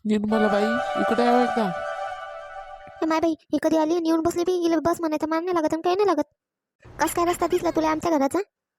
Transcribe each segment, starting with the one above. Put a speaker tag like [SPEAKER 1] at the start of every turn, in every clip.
[SPEAKER 1] निर्मलाबाई इकडे यावं एकदा.
[SPEAKER 2] हे माय बाई ही कधी आली आणि येऊन बसली बी. हिला बस म्हणायचं मान नाही लागत आणि काही नाही लागत. कस काय रस्ता दिसला तुला आमच्या घराचा?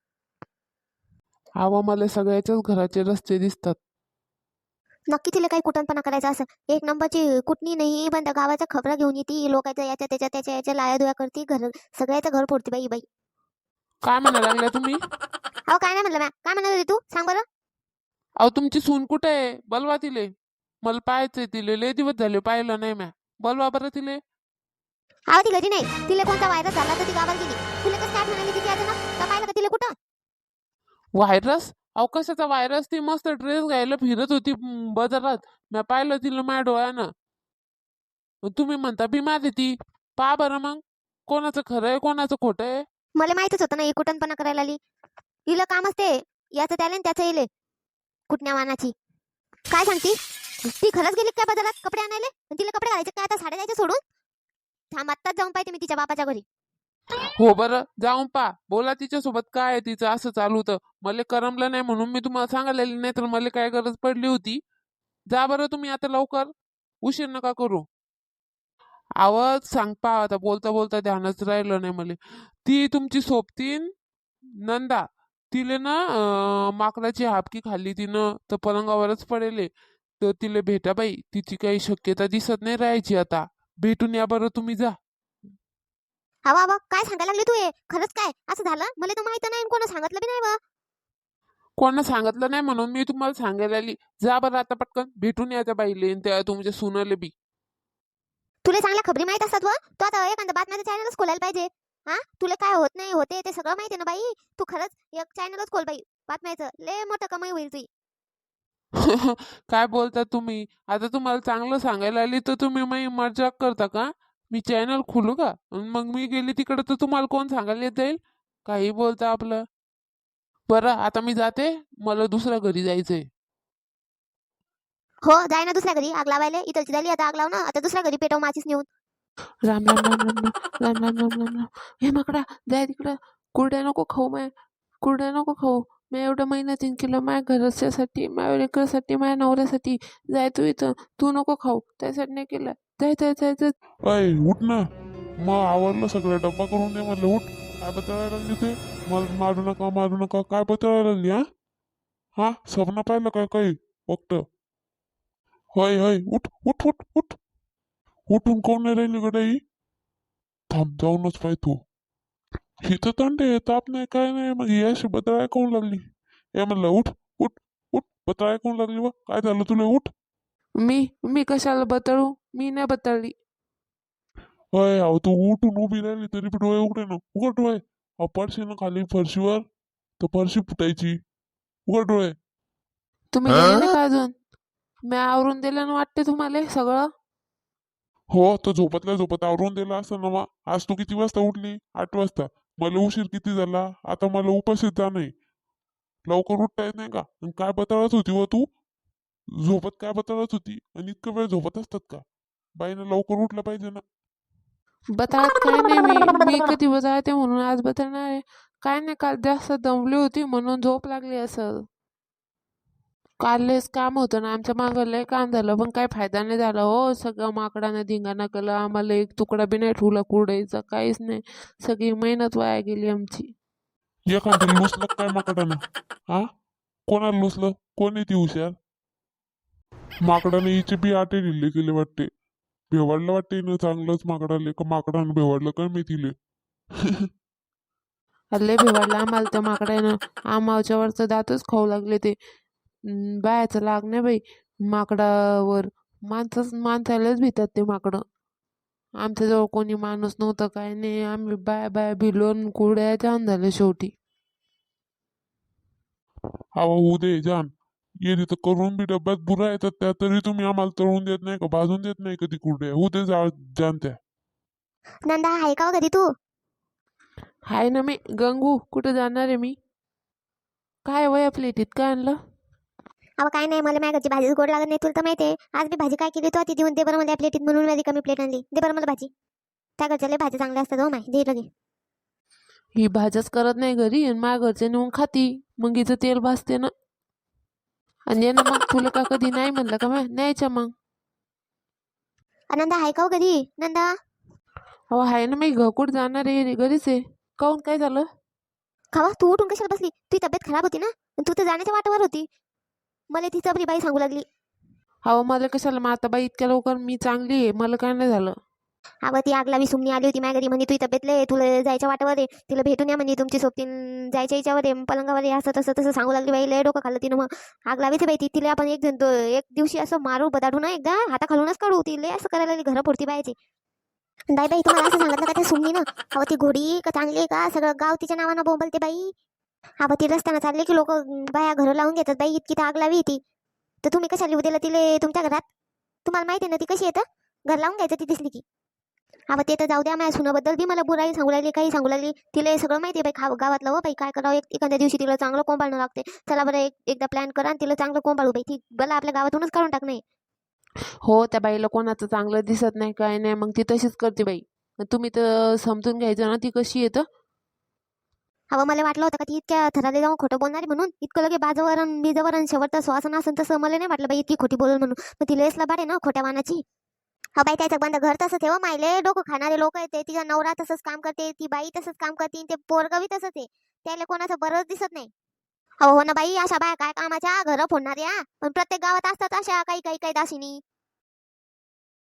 [SPEAKER 1] आवा मला सगळ्याच्याच घराचे रस्ते दिसतात.
[SPEAKER 2] नक्की तिला काही कुटणपणा करायचा असं. एक नंबरची कुटणी नाही पण त्या गावाच्या खबरा घेऊन येते. लोकांच्या याच्या त्याच्या त्याच्या याच्या लाया दुया करते. घर सगळ्याचं घर फोडते बाई बाई.
[SPEAKER 1] काय म्हणा लागल्या तुम्ही?
[SPEAKER 2] अहो काय नाही म्हणलं मॅ. काय म्हणत होती तू सांग बरं.
[SPEAKER 1] अहो तुमची सून कुठे आहे? बोलवा तिले. मला पाहायचंय तिले. लय दिवस झाले पाहिलं नाही म्या. बोलवा बरं तिले.
[SPEAKER 2] अहो ती घरी नाही. तिला कोणता व्हायरस झाला तर ती गावाला गेली. तुला कसं काय म्हणाली तिथे अचानक? तर पाहिलं का तिला कुठं?
[SPEAKER 1] व्हायरस? अहो कशाचा व्हायरस? ती मस्त ड्रेस घ्यायला फिरत होती बाजारात. म्या पाहिलं तिला माझ्या डोळ्यानं. तुम्ही म्हणता बिमार आहे ती. पहा बरं मग. कोणाचं खरं आहे कोणाचं खोटं आहे?
[SPEAKER 2] मला माहितच होतं ना ही कुटणपणा करायला आली. हिला कामच ते. याचं त्याला आणि त्याचं येले कुटण्या वानाची. काय सांगती? ती खरंच गेली काय बाजारात कपडे आणायला? आणि तिला कपडे घालायचे काय आता साड्या द्यायच्या सोडून? थांब आत्ताच जाऊन पाहिजे मी तिच्या बापाच्या घरी.
[SPEAKER 1] हो बरं जाऊन पा. बोला तिच्यासोबत काय आहे तिचं असं चालू होतं. मला करमलं नाही म्हणून मी तुम्हाला सांगायला नाही तर मला काय गरज पडली होती. जा बरं तुम्ही आता लवकर. उशीर नका करू. आवाज सांग पा आता बोलता बोलता ध्यानच राहिलं नाही मला. ती तुमची सोबतीन नंदा. तिले ना माकडाची हापकी खाल्ली तिनं तर पलंगावरच पडेले. तर तिला भेटा बाई. तिची काही शक्यता दिसत नाही राहायची आता. भेटून या बरं तुम्ही जा.
[SPEAKER 2] हवा हवा काय सांगायला लागली तू हे? खरंच काय असं झालं? मला तर माहित नाही आणि कोणा सांगितलं बी नाही बा.
[SPEAKER 1] कोणा सांगितलं नाही म्हणून मी तुम्हाला सांगायला आली. जा बरं आता पटकन भेटून या त्या बाईले आणि त्या तुमच्या सुनाले बी.
[SPEAKER 2] तुला चांगल्या खबरी माहित असतात व. तू आता एखादा बातम्याचं चॅनलच खोलायला पाहिजे. हा तुला काय होत नाही होते ते सगळं माहिती आहे ना बाई. तू खरंच एक चॅनलच खोल बाई. बातम्याचं लय मोठं कमाई होईल तुझी.
[SPEAKER 1] काय बोलता तुम्ही? आता तुम्हाला चांगलं सांगायला आली तर तुम्ही मी मजाक करता का? मी चॅनल खोलू का? अन मग मी गेली तिकडे तर तुम्हाला कोण सांगायला येत जाईल? काही बोलता आपलं. बरं आता मी जाते. मला दुसऱ्या घरी जायचंय.
[SPEAKER 2] हो जाय ना दुसऱ्या घरी आग लावायला. इथलची झाली आता आग लाव ना. आता दुसऱ्या घरी पेटव माचीस नेऊन.
[SPEAKER 1] राम राम राम राम राम राम राम राम राम राम. हे माकडा जाय तिकडं. कुरड्या नको खाऊ माय. कुरड्या नको खाऊ. मी एवढं मेहनतीन केलं माझ्या घरच्यासाठी माझ्या लेकरासाठी माझ्या नवऱ्यासाठी. जाय तू इथं. तू नको खाऊ त्यासाठी नाही केलं. जाय जाय जाय जाय.
[SPEAKER 3] अय उठ ना. मग आवडलं सगळं डब्बा करून दे म्हणलं उठ. काय बतळायला लागली ते? मला मारू नका काय बतळायला लागली हा? हा स्वप्न पाहिलं काय काही फक्त? होय होय उठ उठ उठ उठ. उठून कोण नाही राहिली गड्या ही? थांब जाऊनच पाय तू. हिथं थंडे ताप नाही काय नाही मग ही अशी बतळाय कोण लागली? हे म्हणलं उठ उठ उठ बतळाय कोण लागली व काय झालं तुला उठ.
[SPEAKER 1] मी मी कशाला बतळू? मी नाही बतळली.
[SPEAKER 3] होय अहो तू उठून उभी राहिली तरी पण डोळे उघडे ना उघड डोळे. अहो पडशी ना खाली फरशीवर तर फरशी फुटायची. उघड डोळे.
[SPEAKER 1] तुम्ही गेले नाही का अजून? मी आवरून दिलं ना वाटते तुम्हाला सगळं.
[SPEAKER 3] हो तर झोपतल्या झोपत आवरून दिला असं ना मग. आज तू किती वाजता उठली? 8 वाजता. मला उशीर किती झाला? आता मला उपाशीच जाणं. लवकर उठता येत नाही का? आणि काय बतळत होती व तू? झोपत काय बतळत होती? आणि इतकं वेळ झोपत असतात का? बाईनं लवकर उठलं पाहिजे ना.
[SPEAKER 1] बतळत काय नाही मी कधी बतळते म्हणून आज बतळणार आहे. काय नाही काल जास्त दमली होती म्हणून झोप लागली असं. काल लयच काम होतं ना आमच्या मागं लय काम झालं पण काही फायदा नाही झाला हो. सगळं माकडानं धिंगाणा केलं. आम्हाला एक तुकडा बी नाही ठेवला कुरडईचा काहीच नाही. सगळी मेहनत वाया गेली आमची.
[SPEAKER 3] एखादं लुसलं काय माकडानं? हा कोणाला लुसलं? कोण आहे ती हुशार? माकडाने हिचे बी आटे लिहिले गेले वाटते. भेवाडलं वाटते ना चांगलंच माकडाले का माकडानं भेवाडलं काय मी तिले.
[SPEAKER 1] लय भेवाडलं आम्हाला त्या माकडानं. आमाच्या वरचं दातच खाऊ लागले ते. बायाचं लाग नाही बाई माकडावर. माणसालाच भितात ते माकडं. आमच्याजवळ कोणी माणूस नव्हतं काय नाही. आम्ही बाया बाया भिलोन कुरड्या जाम झालं शेवटी.
[SPEAKER 3] हवा होऊ दे जाण. ये तिथं करून बी डब्यात बुरा येतात त्या तरी तुम्ही आम्हाला तळून देत नाही का भाजून देत नाही कधी कुरड्या होऊ दे जाण त्या.
[SPEAKER 2] नंदा आहे का हो घरी तू?
[SPEAKER 1] हाय ना मी गंगू. कुठं जाणार आहे मी? काय वय प्लेटीत काय आणलं?
[SPEAKER 2] अहो काय नाही मला माझ्या घरची भाजीच गोड लागत नाही. तुला तर माहिती आहे. आज मी भाजी काय केली तू ती देऊन दे बरं मला प्लेटीत म्हणून मी कमी प्लेट आणली. दे बरं मला भाजी. त्या घरच्या लय भाजी चांगल्या असतात हो माय. दे लगे.
[SPEAKER 1] ही भाज्याच करत नाही घरी आणि माझ्या घरचे नेऊन खाती. मग हिचं तेल भाजते ना. आणि ये ना मग तुला का कधी नाही म्हणलं का मग न्यायच्या मग.
[SPEAKER 2] नंदा आहे का हो घरी नंदा?
[SPEAKER 1] अहो आहे ना, मी घकुट जाणार आहे, घरीच आहे. काहून, काय झालं?
[SPEAKER 2] खावा तू उठून कशाला बसली? तुझी तब्येत खराब होती ना, तू तर जाण्याच्या वाटावर होती. मला ती चबरी बाई सांगू लागली.
[SPEAKER 1] अहो मला कशाला, माताबाई इतक्या लवकर मी चांगली आहे, मला काय नाही झालं.
[SPEAKER 2] अगं ती आगलावी सुमनी आली होती माझ्या घरी, म्हणे तुझी तब्येत लय, तुला जायच्या वाटावर आहे, तिला भेटून या म्हणे, तुमची सोबतीन जायच्या याच्यावर आहे, पलंगावर आहे, असं तसं तसं सांगू लागली बाई. लय डोकं खाल्लं तिनं. मग आगलावीच बाई ती, तिला आपण एक दिवशी असं मारू बदाडू ना, एकदा हाता खालूनच काढू. ती लय असं करायला लागली, घरं फोडती बायची. दाई बाई तुम्हाला असं सांगितलं का त्या सुमनी ना? अहो ती घोडी का चांगली आहे का? सगळं गाव तिच्या नावानं बोंबलते बाई. हा ती रस्त्यानं चालले की लोक बाया घरं लावून घेतात बाई, इतकी तर आग लावी ती. तर तुम्ही कशा लिहू दिलं तिले तुमच्या घरात? तुम्हाला माहिती आहे ना ती कशी येतं, घर लावून घ्यायचं ती दिसली की. हा ते तर जाऊ द्या, माझ्या सुनाबद्दल बी मला बुराई सांगू लागली, काही सांगू लागली. तिला सगळं माहिती आहे बाई, गावातलं. हो बाई काय करावं, एखाद्या दिवशी तिला चांगलं कोंबाळणं लागते. चला बरं एकदा प्लॅन करा आणि तिला चांगलं कोंबाळू बाई. ती मला आपल्या गावातूनच काढून टाक नाही.
[SPEAKER 1] हो, त्या बाईला कोणाचं चांगलं दिसत नाही, काय नाही, मग ती तशीच करते बाई. तुम्ही तर समजून घ्यायचं ना ती कशी येतं.
[SPEAKER 2] हवं मला वाटलं होतं का ती इतक्या थराले जाऊन खोटं बोलणारी म्हणून. इतकं लगे बाजवरण बीजवरण शेवटचं श्वासन असं तसं मला नाही वाटलं बाई इतकी खोटी बोलून म्हणून. मग ती लेसला बाडे ना खोट्या वानाची. हा बाई त्याचं बंद घर तसंच आहे. मायले डोकं खाणारे लोक येते, तिचा नवरा तसंच काम करते, ती बाई तसंच काम करते, ते पोरगवी तसंच आहे. त्याला कोणाचं बरंच दिसत नाही. हो हो ना बाई, अशा बाया काय कामाच्या, घरं फोडणाऱ्या. पण प्रत्येक गावात असतात अशा काही काही काही दासिनी.